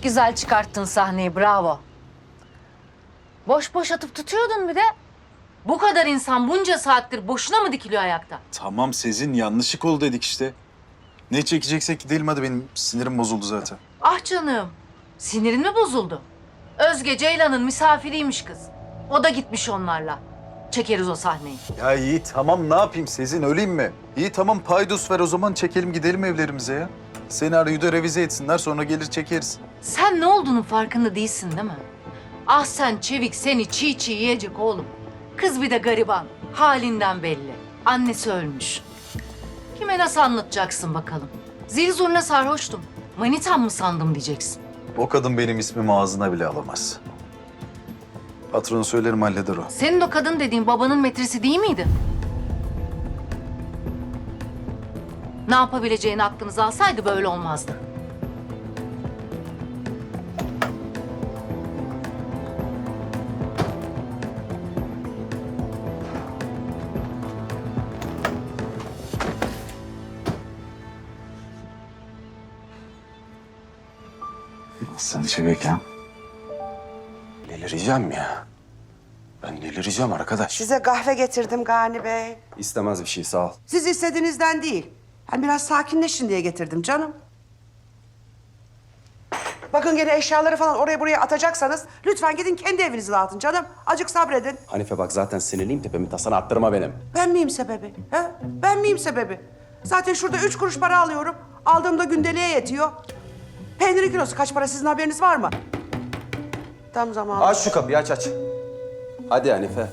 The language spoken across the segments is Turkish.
güzel çıkarttın sahneyi, bravo. Boş boş atıp tutuyordun bir de. Bu kadar insan bunca saattir boşuna mı dikiliyor ayakta? Tamam Sezin, yanlışlık oldu dedik işte. Ne çekeceksek gidelim hadi, benim sinirim bozuldu zaten. Ah canım, sinirin mi bozuldu? Özge Ceylan'ın misafiriymiş kız. O da gitmiş onlarla. Çekeriz o sahneyi. Ya iyi tamam, ne yapayım Sezin, öleyim mi? İyi tamam, paydos ver o zaman, çekelim gidelim evlerimize ya. Senaryoyu da revize etsinler, sonra gelir çekeriz. Sen ne olduğunun farkında değilsin değil mi? Ah sen Çevik, seni çiğ çiğ yiyecek oğlum. Kız bir de gariban, halinden belli. Annesi ölmüş. Kime nasıl anlatacaksın bakalım? Zil zurna sarhoştum. Manitam mı sandım diyeceksin. O kadın benim ismimi ağzına bile alamaz. Patronu söylerim, halleder o. Senin o kadın dediğin babanın metresi değil miydi? Ne yapabileceğini aklınıza alsaydı böyle olmazdı. Sen Çevik ha? Delireceğim ya. Ben delireceğim arkadaş. Size kahve getirdim Gani Bey. İstemez bir şey, sağ ol. Siz istediğinizden değil. Ben biraz sakinleşin diye getirdim canım. Bakın gene eşyaları falan oraya buraya atacaksanız lütfen gidin kendi evinizi dağıtın canım. Azıcık sabredin. Hanife bak, zaten sinirliyim, tepemi tasana attırma benim. Ben miyim sebebi? He? Ben miyim sebebi? Zaten şurada 3 kuruş para alıyorum. Aldığımda gündeliğe yetiyor. Peynir kilosu kaç para, sizin haberiniz var mı? Tam zamanı. Aç şu kapıyı, aç. Hadi Hanife.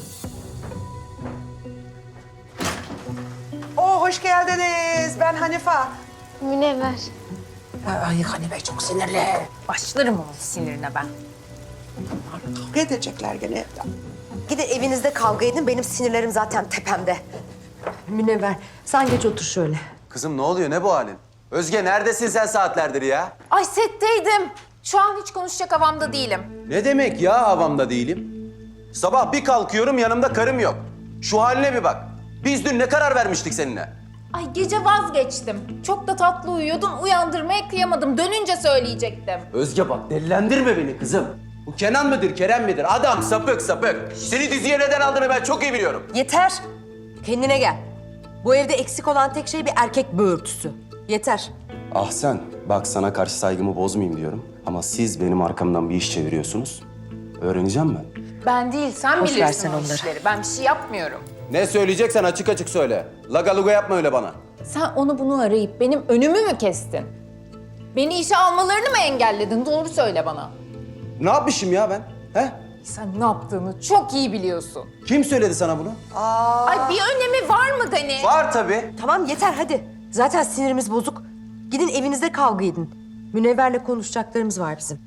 Hoş geldiniz. Ben Hanife. Münevver. Ay Hanife çok sinirli. Başlarım onun sinirine ben. Kavga edecekler gene evde. Gidin evinizde kavga edin. Benim sinirlerim zaten tepemde. Münevver, sen geç otur şöyle. Kızım ne oluyor, ne bu halin? Özge neredesin sen saatlerdir ya? Ay setteydim. Şu an hiç konuşacak havamda değilim. Ne demek ya havamda değilim? Sabah bir kalkıyorum, yanımda karım yok. Şu haline bir bak. Biz dün ne karar vermiştik seninle? Ay gece vazgeçtim. Çok da tatlı uyuyordun. Uyandırmaya kıyamadım. Dönünce söyleyecektim. Özge bak, delilendirme beni kızım. Bu Kenan mıdır, Kerem midir? Adam sapık. Seni diziye neden aldığını ben çok iyi biliyorum. Yeter. Kendine gel. Bu evde eksik olan tek şey bir erkek böğürtüsü. Yeter. Ah sen, bak sana karşı saygımı bozmayayım diyorum. Ama siz benim arkamdan bir iş çeviriyorsunuz. Öğreneceğim ben. Ben değil, sen Boş ver bilirsin sen o onları. işleri. Ben bir şey yapmıyorum. Ne söyleyeceksen açık açık söyle. Laga luga yapma öyle bana. Sen onu bunu arayıp benim önümü mü kestin? Beni işe almalarını mı engelledin? Doğru söyle bana. Ne yapmışım ya ben? He? Sen ne yaptığını çok iyi biliyorsun. Kim söyledi sana bunu? Ay bir önemi var mı Gani? Var tabii. Tamam yeter hadi. Zaten sinirimiz bozuk. Gidin evinizde kavga edin. Münevver'le konuşacaklarımız var bizim.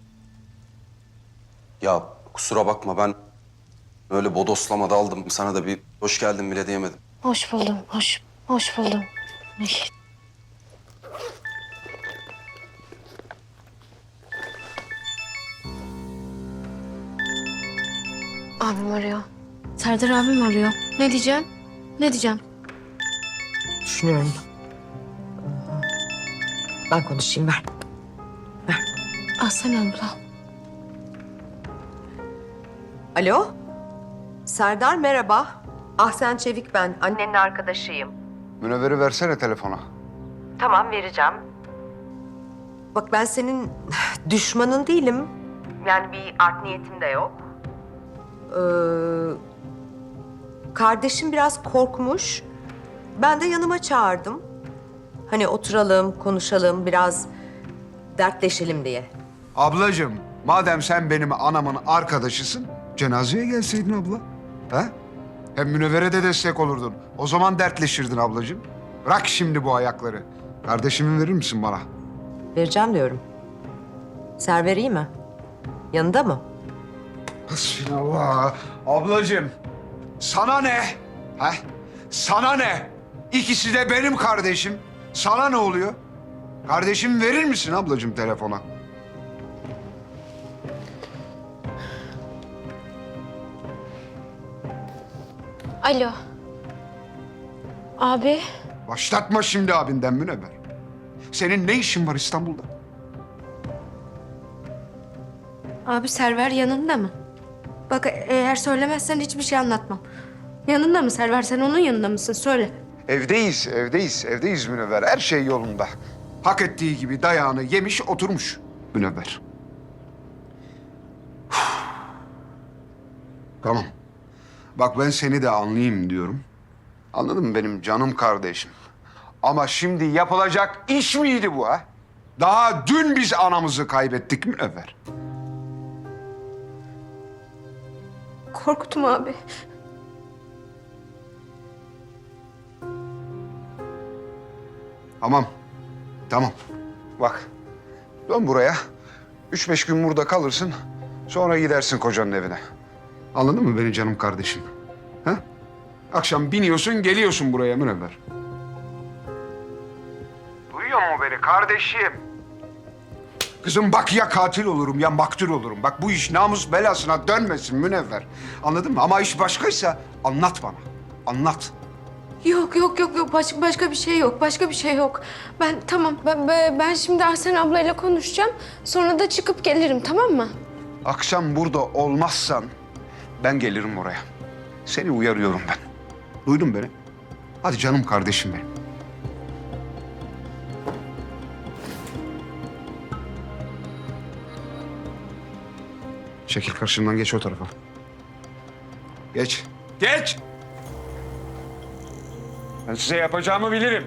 Ya kusura bakma, ben öyle bodoslama daldım. Sana da bir hoş geldin bile diyemedim. Hoş buldum, hoş buldum. Abim arıyor. Serdar abim arıyor. Ne diyeceğim? Ne diyeceğim? Düşünüyorum. Ben konuşayım ver. Aslan abla. Alo? Serdar merhaba. Ahsen Çevik ben. Annenin arkadaşıyım. Münevver'i versene telefona. Tamam vereceğim. Bak ben senin düşmanın değilim. Yani bir art niyetim de yok. Kardeşim biraz korkmuş. Ben de yanıma çağırdım. Hani oturalım, konuşalım, biraz dertleşelim diye. Ablacığım, madem sen benim anamın arkadaşısın, cenazeye gelseydin abla. He? Hem Münevver'e de destek olurdun. O zaman dertleşirdin ablacığım. Bırak şimdi bu ayakları. Kardeşimi verir misin bana? Vereceğim diyorum. Server iyi mi? Yanında mı? Hasbinallah. Ablacığım, sana ne? He? Sana ne? İkisi de benim kardeşim. Sana ne oluyor? Kardeşimi verir misin ablacığım telefona? Alo. Abi. Başlatma şimdi abinden Münevver. Senin ne işin var İstanbul'da? Abi Server yanında mı? Bak eğer söylemezsen hiçbir şey anlatmam. Yanında mı Server? Sen onun yanında mısın? Söyle. Evdeyiz Münevver. Her şey yolunda. Hak ettiği gibi dayağını yemiş, oturmuş Münevver. Tamam. Bak ben seni de anlayayım diyorum. Anladın mı benim canım kardeşim? Ama şimdi yapılacak iş miydi bu ha? Daha dün biz anamızı kaybettik Münevver. Korkutma abi. Tamam. Bak, dön buraya. 3-5 gün burada kalırsın. Sonra gidersin kocanın evine. Anladın mı beni canım kardeşim? Ha? Akşam biniyorsun, geliyorsun buraya Münevver. Duyuyor mu beni kardeşim? Kızım bak ya katil olurum ya maktul olurum. Bak bu iş namus belasına dönmesin Münevver. Anladın mı? Ama iş başkaysa anlat bana. Anlat. Yok. Başka bir şey yok. Başka bir şey yok. Ben şimdi Ahsen ablayla konuşacağım. Sonra da çıkıp gelirim, tamam mı? Akşam burada olmazsan ben gelirim oraya. Seni uyarıyorum ben. Duydun beni? Hadi canım kardeşim benim. Çekil karşımdan, geç o tarafa. Geç. Geç! Ben size yapacağımı bilirim.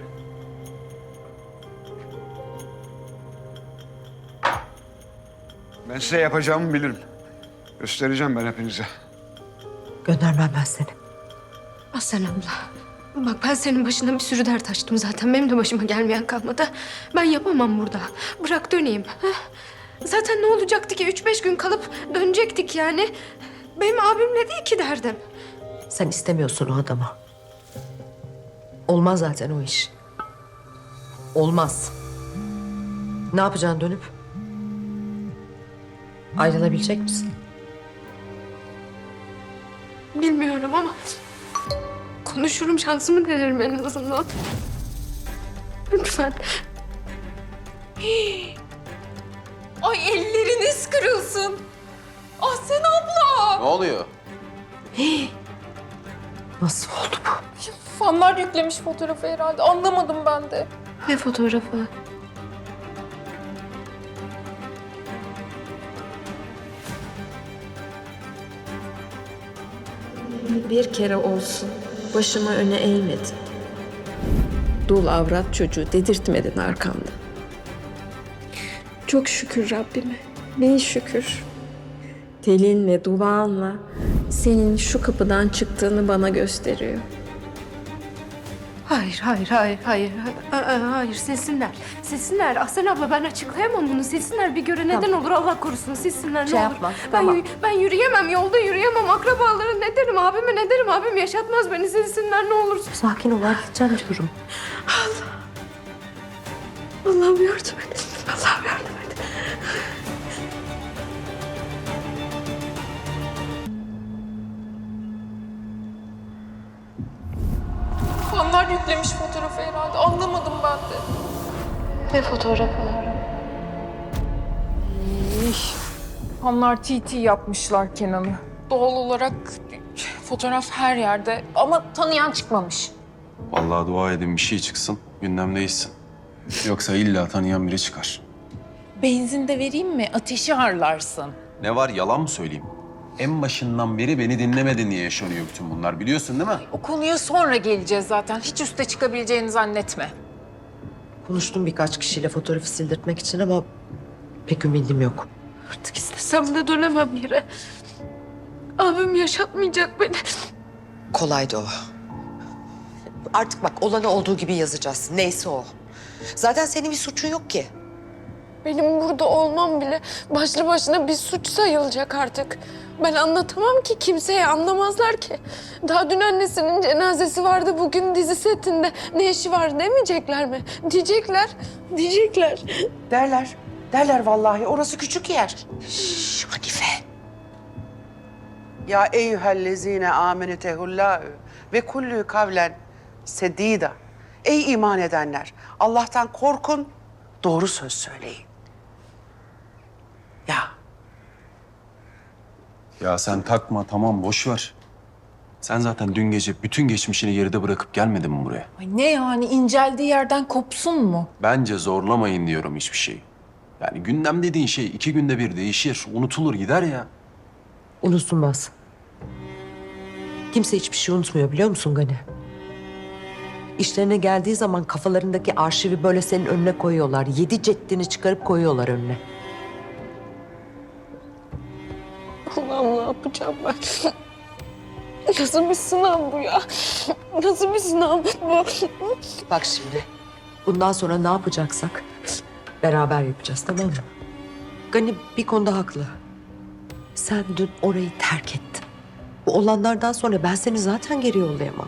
Ben size yapacağımı bilirim. Göstereceğim ben hepinize. Göndermem ben seni. Ahsen abla. Bak ben senin başına bir sürü dert açtım zaten. Benim de başıma gelmeyen kalmadı. Ben yapamam burada. Bırak döneyim. Heh. Zaten ne olacaktı ki? 3-5 gün kalıp dönecektik yani. Benim abimle değil ki derdim. Sen istemiyorsun o adamı. Olmaz zaten o iş. Olmaz. Ne yapacaksın dönüp? Ayrılabilecek misin? Bilmiyorum ama konuşurum, şansımı denerim en azından. Lütfen. Ay elleriniz kırılsın. Ahsen abla. Ne oluyor? Nasıl oldu bu? Fanlar yüklemiş fotoğrafı herhalde. Anlamadım ben de. Ne fotoğrafı? Bir kere olsun başımı öne eğmedin. Dul avrat çocuğu dedirtmedin arkamda. Çok şükür Rabbime. Ne şükür. Telinle, duanla senin şu kapıdan çıktığını bana gösteriyor. Hayır. Hayır, silsinler. Ahsen abla ben açıklayamam bunu. Silsinler, bir göre neden olur Allah korusun. Silsinler ne olur. Yapma, tamam. Ben yürüyemem, yolda yürüyemem. Akrabalara ne derim, abime ne derim. Abim yaşatmaz beni, silsinler ne olur. Sakin ol, halledeceğim diyorum. Allah'ım yardım et. Allah'ım yardım et. Fanlar yüklemiş fotoğrafı herhalde. Anlamadım ben de. Ne fotoğrafı? Fanlar TT yapmışlar Kenan'ı. Doğal olarak fotoğraf her yerde ama tanıyan çıkmamış. Vallahi dua edin bir şey çıksın, gündem değişsin. Yoksa illa tanıyan biri çıkar. Benzin de vereyim mi? Ateşi harlarsın. Ne var, yalan mı söyleyeyim? En başından beri beni dinlemedin diye yaşanıyor bütün bunlar, biliyorsun değil mi? O konuya sonra geleceğiz zaten. Hiç üste çıkabileceğini zannetme. Konuştum birkaç kişiyle fotoğrafı sildirtmek için ama pek ümidim yok. Artık istesem de dönemem yere. Abim yaşatmayacak beni. Kolaydı o. Artık bak olanı olduğu gibi yazacağız. Neyse o. Zaten senin bir suçun yok ki. Benim burada olmam bile başlı başına bir suç sayılacak artık. Ben anlatamam ki kimseye, anlamazlar ki. Daha dün annesinin cenazesi vardı, bugün dizi setinde. Ne işi var demeyecekler mi? Diyecekler. Derler vallahi. Orası küçük yer. Şş, Hanife. Ya eyyühellezine amenetehullâhu ve kullü kavlen sedîda. Ey iman edenler! Allah'tan korkun, doğru söz söyleyin. Ya Ya sen takma tamam boş ver. Sen zaten dün gece bütün geçmişini geride bırakıp gelmedin mi buraya? Ay ne yani inceldiği yerden kopsun mu? Bence zorlamayın diyorum hiçbir şeyi. Yani gündem dediğin şey 2 günde bir değişir, unutulur gider ya. Unutulmaz. Kimse hiçbir şey unutmuyor biliyor musun Gani? İşlerine geldiği zaman kafalarındaki arşivi böyle senin önüne koyuyorlar. 7 ceddini çıkarıp koyuyorlar önüne. Allah'ım ne yapacağım ben? Nasıl bir sınav bu ya? Nasıl bir sınav bu? Bak şimdi, bundan sonra ne yapacaksak beraber yapacağız, tamam mı? Gani bir konuda haklı. Sen dün orayı terk ettin. Bu olanlardan sonra ben seni zaten geri yollayamam.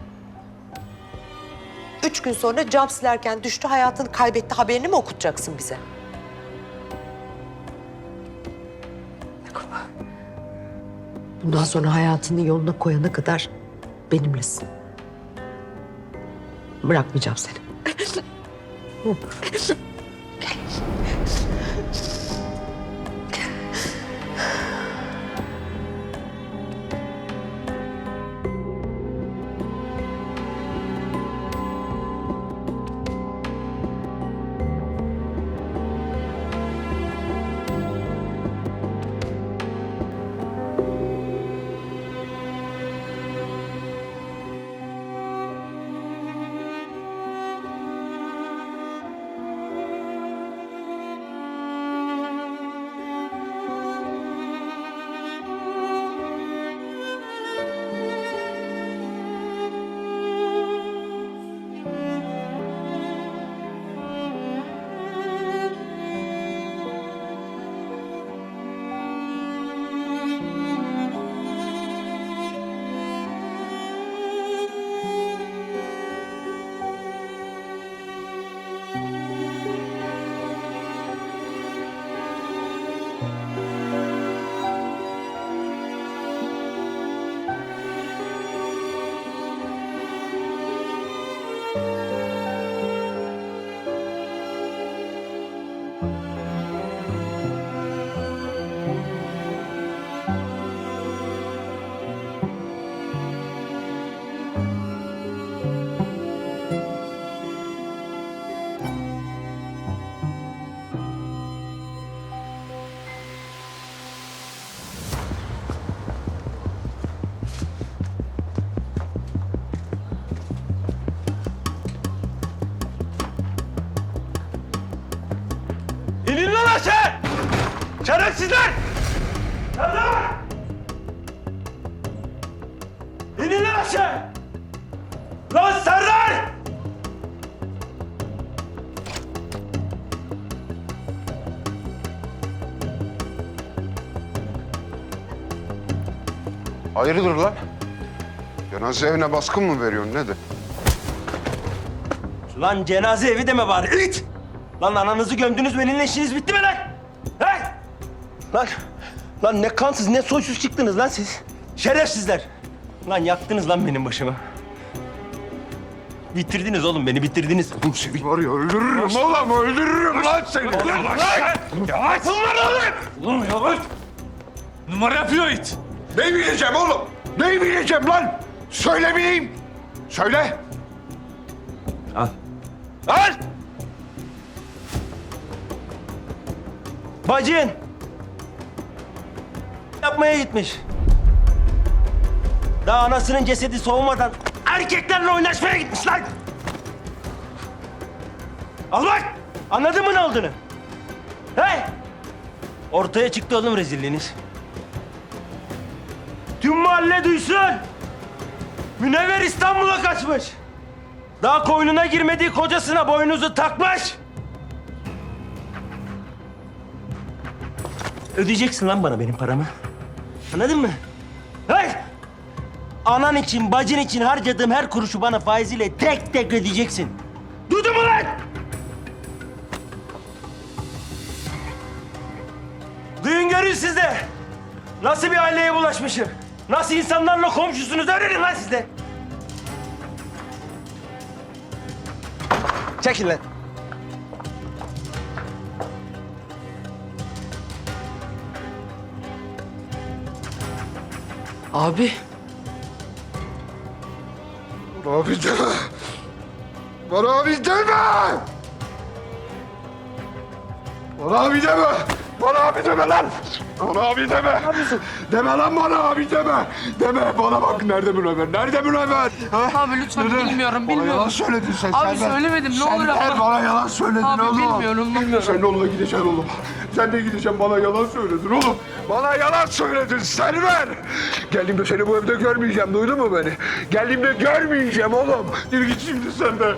3 gün sonra cam silerken düştü, hayatını kaybetti haberini mi okutacaksın bize? Bundan sonra hayatını yoluna koyana kadar benimlesin. Bırakmayacağım seni. İnin lan aşağı! Şerefsizler! Serdar! İnin lan aşağı! Lan Serdar! Hayırdır lan? Cenaze evine baskın mı veriyorsun nedir? Lan cenaze evi deme bari it! Lan ananızı gömdünüz benimle işiniz bitti mi lan? He? Lan ne kansız ne soysuz çıktınız lan siz. Şerefsizler. Lan yaktınız lan benim başımı. Bitirdiniz oğlum beni bitirdiniz. Oğlum seni var ya öldürürüm oğlum öldürürüm lan seni. Yavaş! Bunlar oğlum! Oğlum yavaş. Numara yapıyor it. Ne bileceğim oğlum? Ne bileceğim lan? Söylemeyeyim. Söyle. Al. Al! Bacın! Yapmaya gitmiş. Daha anasının cesedi soğumadan erkeklerle oynaşmaya gitmiş lan! Al bak! Anladın mı ne olduğunu? He? Ortaya çıktı oğlum rezilliğiniz. Tüm mahalle duysun! Münevver İstanbul'a kaçmış! Daha koynuna girmediği kocasına boynuzu takmış! Ödeyeceksin lan bana benim paramı. Anladın mı? Hey! Anan için, bacın için harcadığım her kuruşu bana faiziyle tek tek ödeyeceksin. Duydun mu lan? Duyun görün siz de. Nasıl bir aileye bulaşmışım? Nasıl insanlarla komşusunuz öğrenin lan siz de. Çekil lan. Abi. Bana abi deme. Bana abi deme. Bana abi deme. Bana abi deme lan. Bana abi deme. Deme lan bana abi deme. Deme bana bak nerede Münevver? Nerede Münevver? Ha? Abi lütfen bilmiyorum Bana yalan söyledin sen. Abi Selver. söylemedim, ne olur Selver, abi. bana yalan söyledin Abi oğlum. bilmiyorum. Sen de onunla gideceksin oğlum. Sen de gideceksin bana yalan söyledin oğlum. Bana yalan söyledin Selver. Geldiğimde seni bu evde görmeyeceğim duydun mu beni? Geldiğimde görmeyeceğim oğlum. Yürü git şimdi sen de.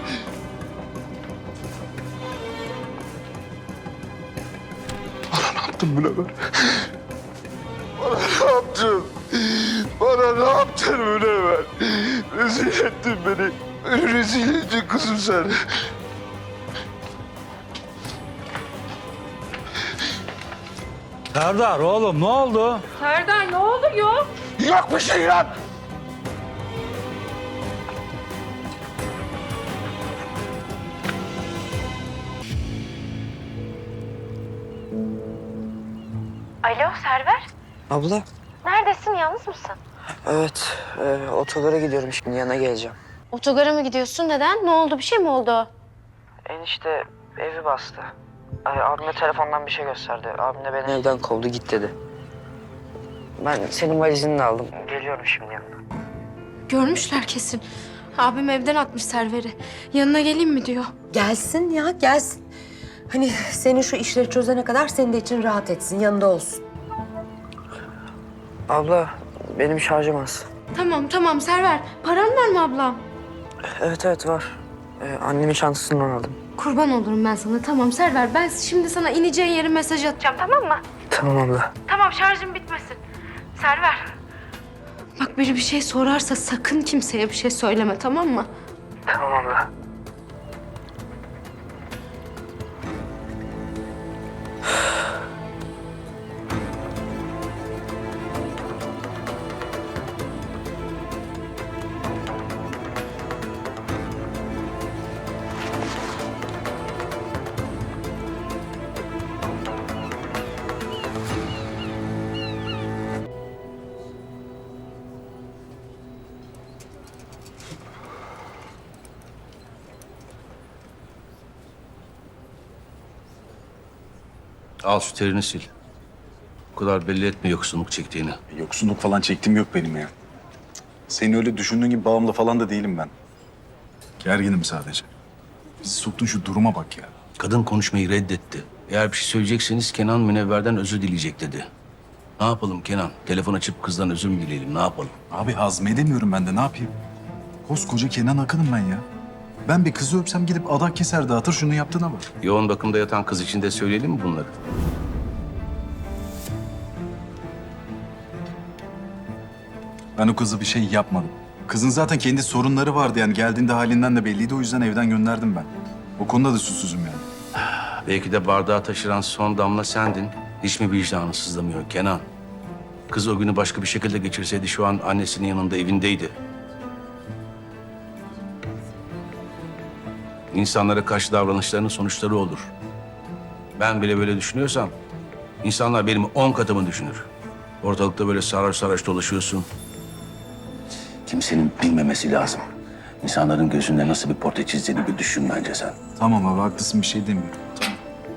Bana ne yaptın Münevver? Bana ne yaptın? Bana ne yaptın Münevver? Rezil ettin beni. Beni rezil ettin kızım sen. Serdar oğlum ne oldu? Serdar ne oluyor? Yok bir şey lan. Alo Server, Abla. neredesin? Yalnız mısın? Evet. Otogara gidiyorum şimdi yana geleceğim. Otogara mı gidiyorsun? Neden? Ne oldu? Bir şey mi oldu? Enişte evi bastı. Abime telefondan bir şey gösterdi. Abim de beni evden kovdu git dedi. Ben senin valizini de aldım. Geliyorum şimdi yanına. Görmüşler kesin. Abim evden atmış Server'i. Yanına geleyim mi diyor. Gelsin ya gelsin. Hani senin şu işleri çözene kadar senin de için rahat etsin yanında olsun. Abla benim şarjım az. Tamam Server. Paran var mı ablam? Evet var. Annemin çantasından aldım. Kurban olurum ben sana. Tamam Server, ben şimdi sana ineceğin yeri mesaj atacağım, tamam mı? Tamam abla. Tamam, şarjım bitmesin. Server. Bak biri bir şey sorarsa sakın kimseye bir şey söyleme, tamam mı? Tamam abla. Al şu terini sil. Bu kadar belli etme yoksunluk çektiğini. Yoksunluk falan çektiğim yok benim ya. Senin öyle düşündüğün gibi bağımlı falan da değilim ben. Gerginim sadece. Bizi soktun şu duruma bak ya. Kadın konuşmayı reddetti. Eğer bir şey söyleyecekseniz Kenan Münevver'den özür dileyecek dedi. Ne yapalım Kenan? Telefon açıp kızdan özür mü dileyelim? Ne yapalım? Abi hazmedemiyorum ben de ne yapayım? Koskoca Kenan Akın'ım ben ya. Ben bir kızı öpsem gidip adak keser dağıtır şunu yaptığına bak. Yoğun bakımda yatan kız için de söyleyelim mi bunları? Ben o kızı bir şey yapmadım. Kızın zaten kendi sorunları vardı yani geldiğinde halinden de belliydi o yüzden evden gönderdim ben. O konuda da suçsuzum yani. Belki de bardağı taşıran son damla sendin. Hiç mi vicdanı sızlamıyor Kenan? Kız o günü başka bir şekilde geçirseydi şu an annesinin yanında evindeydi. İnsanlara karşı davranışlarının sonuçları olur. Ben bile böyle düşünüyorsam insanlar benim 10 katımı düşünür. Ortalıkta böyle sarhoş sarhoş dolaşıyorsun. Kimsenin bilmemesi lazım. İnsanların gözünde nasıl bir portre çizdiğini bir düşün bence sen. Tamam abi haklısın bir şey demiyorum. Tamam.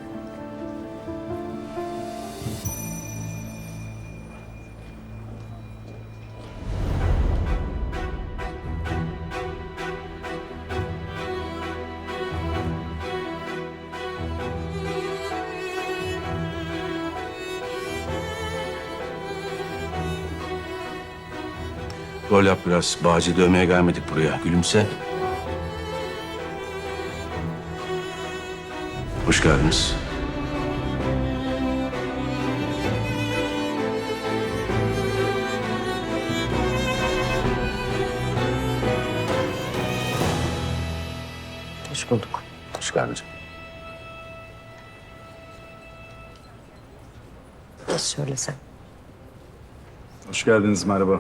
Rol yap biraz. Bağcı dövmeye gelmedik buraya. Gülümse. Hoş geldiniz. Hoş bulduk. Hoş geldiniz. Nasıl söylesem? Hoş geldiniz merhaba.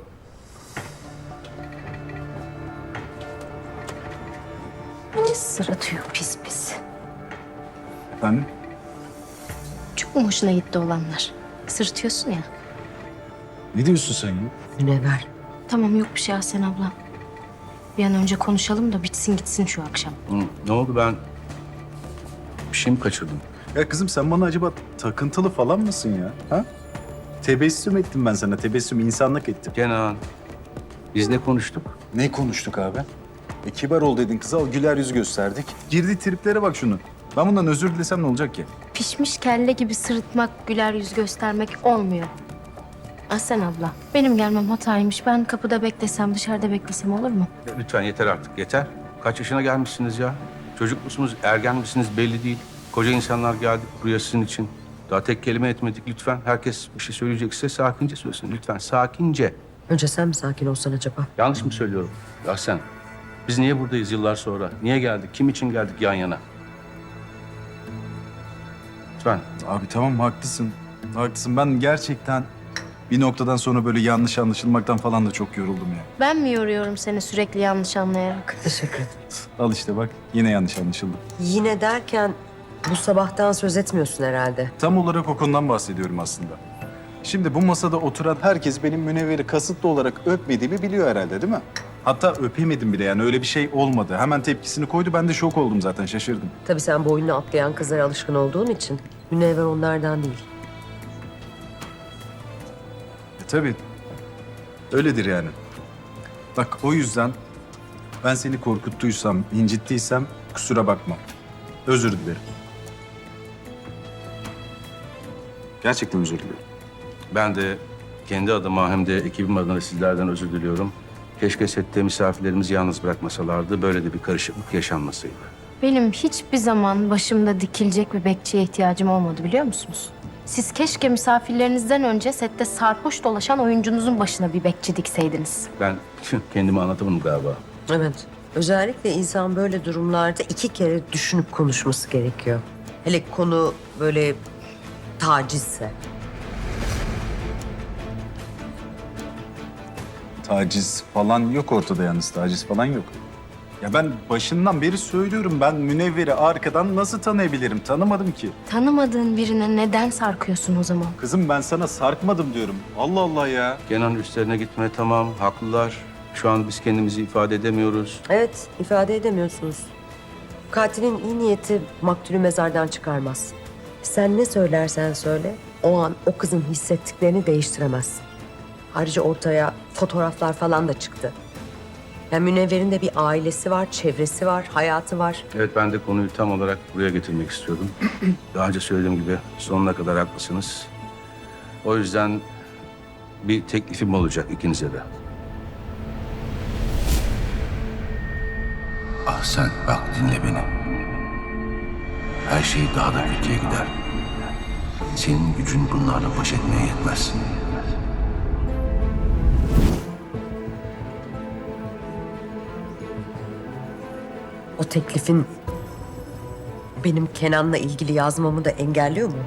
Sırıtıyor pis pis. Efendim? Çok mu hoşuna gitti olanlar? Sırıtıyorsun ya. Ne diyorsun sen ya? Münevver. Tamam yok bir şey Ahsen abla. Bir an önce konuşalım da bitsin gitsin şu akşam. Ne oldu, ben bir şey mi kaçırdım? Ya kızım sen bana acaba takıntılı falan mısın ya? Ha? Tebessüm ettim ben sana. Tebessüm insanlık ettim. Kenan, biz ne konuştuk? Ne konuştuk abi? Kibar ol dedin kıza, güler yüz gösterdik. Girdi triplere bak şunu. Ben bundan özür dilesem ne olacak ki? Pişmiş kelle gibi sırıtmak, güler yüz göstermek olmuyor. Ahsen abla, benim gelmem hataymış. Ben kapıda beklesem, dışarıda beklesem olur mu? Lütfen yeter artık, yeter. Kaç yaşına gelmişsiniz ya? Çocuk musunuz, ergen misiniz belli değil. Koca insanlar geldik buraya sizin için. Daha tek kelime etmedik lütfen. Herkes bir şey söyleyecekse sakince söylesin. Lütfen sakince. Önce sen mi sakin olsan acaba? Yanlış mı söylüyorum? Ahsen, biz niye buradayız yıllar sonra? Niye geldik? Kim için geldik yan yana? Lütfen. Abi tamam haklısın. Haklısın. Ben gerçekten bir noktadan sonra böyle yanlış anlaşılmaktan falan da çok yoruldum ya. Ben mi yoruyorum seni sürekli yanlış anlayarak? Teşekkür ederim. Al işte bak yine yanlış anlaşıldı. Yine derken bu sabahtan söz etmiyorsun herhalde. Tam olarak o konudan bahsediyorum aslında. Şimdi bu masada oturan herkes benim Münevver'i kasıtlı olarak öpmediğimi biliyor herhalde değil mi? Hatta öpemedim bile, yani öyle bir şey olmadı. Hemen tepkisini koydu, ben de şok oldum zaten, şaşırdım. Tabii sen boynunu atlayan kızlara alışkın olduğun için Münevver onlardan değil. Tabii. Öyledir yani. Bak o yüzden ben seni korkuttuysam, incittiysem kusura bakma. Özür dilerim. Gerçekten özür dilerim. Ben de kendi adıma hem de ekibim adına sizlerden özür diliyorum. Keşke sette misafirlerimizi yalnız bırakmasalardı. Böyle de bir karışıklık yaşanmasaydı. Benim hiçbir zaman başımda dikilecek bir bekçiye ihtiyacım olmadı biliyor musunuz? Siz keşke misafirlerinizden önce sette sarhoş dolaşan oyuncunuzun başına bir bekçi dikseydiniz. Ben kendimi anlatamadım galiba. Evet. Özellikle insan böyle durumlarda 2 kere düşünüp konuşması gerekiyor. Hele konu böyle tacizse. Taciz falan yok ortada yalnız, taciz falan yok. Ya ben başından beri söylüyorum, ben Münevver'i arkadan nasıl tanıyabilirim? Tanımadım ki. Tanımadığın birine neden sarkıyorsun o zaman? Kızım ben sana sarkmadım diyorum. Allah Allah ya. Kenan üstlerine gitme, tamam, haklılar. Şu an biz kendimizi ifade edemiyoruz. Evet, ifade edemiyorsunuz. Katilin iyi niyeti maktulü mezardan çıkarmaz. Sen ne söylersen söyle, o an o kızın hissettiklerini değiştiremezsin. Ayrıca ortaya fotoğraflar falan da çıktı. Yani Münevver'in de bir ailesi var, çevresi var, hayatı var. Evet, ben de konuyu tam olarak buraya getirmek istiyordum. Daha önce söylediğim gibi sonuna kadar haklısınız. O yüzden bir teklifim olacak ikinize de. Ah sen bak, dinle beni. Her şey daha da kötüye gider. Senin gücün bunlarla baş etmeye yetmez. O teklifin benim Kenan'la ilgili yazmamı da engelliyor mu?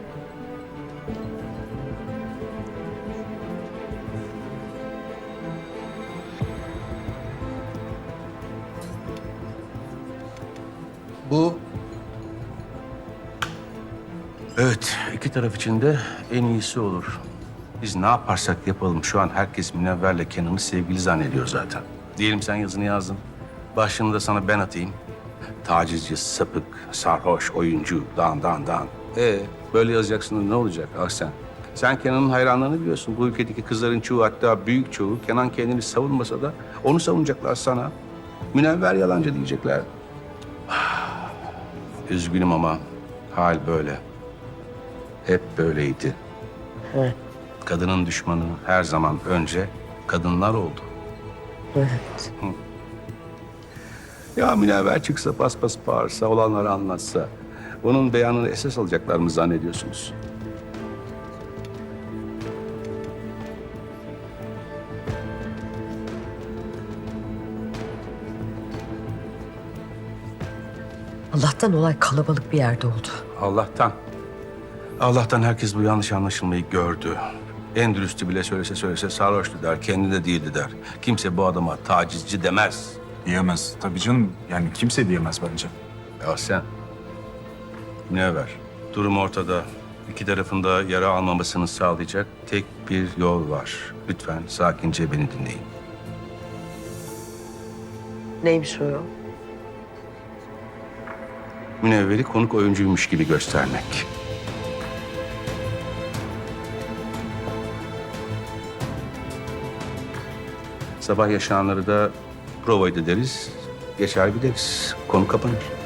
Bu... Evet, iki taraf için de en iyisi olur. Biz ne yaparsak yapalım şu an herkes Münevver'le Kenan'ı sevgili zannediyor zaten. Diyelim sen yazını yazdın. Başlığını da sana ben atayım. Tacizci, sapık, sarhoş, oyuncu, dan. Böyle yazacaksın, ne olacak Ahsen? Sen Kenan'ın hayranlarını biliyorsun. Bu ülkedeki kızların çoğu, hatta büyük çoğu Kenan kendini savunmasa da onu savunacaklar sana. Münevver yalancı diyecekler. Üzgünüm ama hal böyle. Hep böyleydi. Evet. Kadının düşmanı her zaman önce kadınlar oldu. Evet. Ya Münevver çıksa, paspas bağırsa, olanları anlatsa... onun beyanını esas alacaklar mı zannediyorsunuz? Allah'tan olay kalabalık bir yerde oldu. Allah'tan. Allah'tan herkes bu yanlış anlaşılmayı gördü. En dürüstü bile söylese sarhoştu der, kendi de değildi der. Kimse bu adama tacizci demez. Diyemez. Tabii canım, yani kimse diyemez bence. Ya sen, Münevver, durum ortada. İki tarafın da yara almamasını sağlayacak tek bir yol var. Lütfen sakince beni dinleyin. Neymiş o yol? Münevver'i konuk oyuncuymuş gibi göstermek. Sabah yaşananları da prova ederiz, geçer gideriz. Konu kapanır.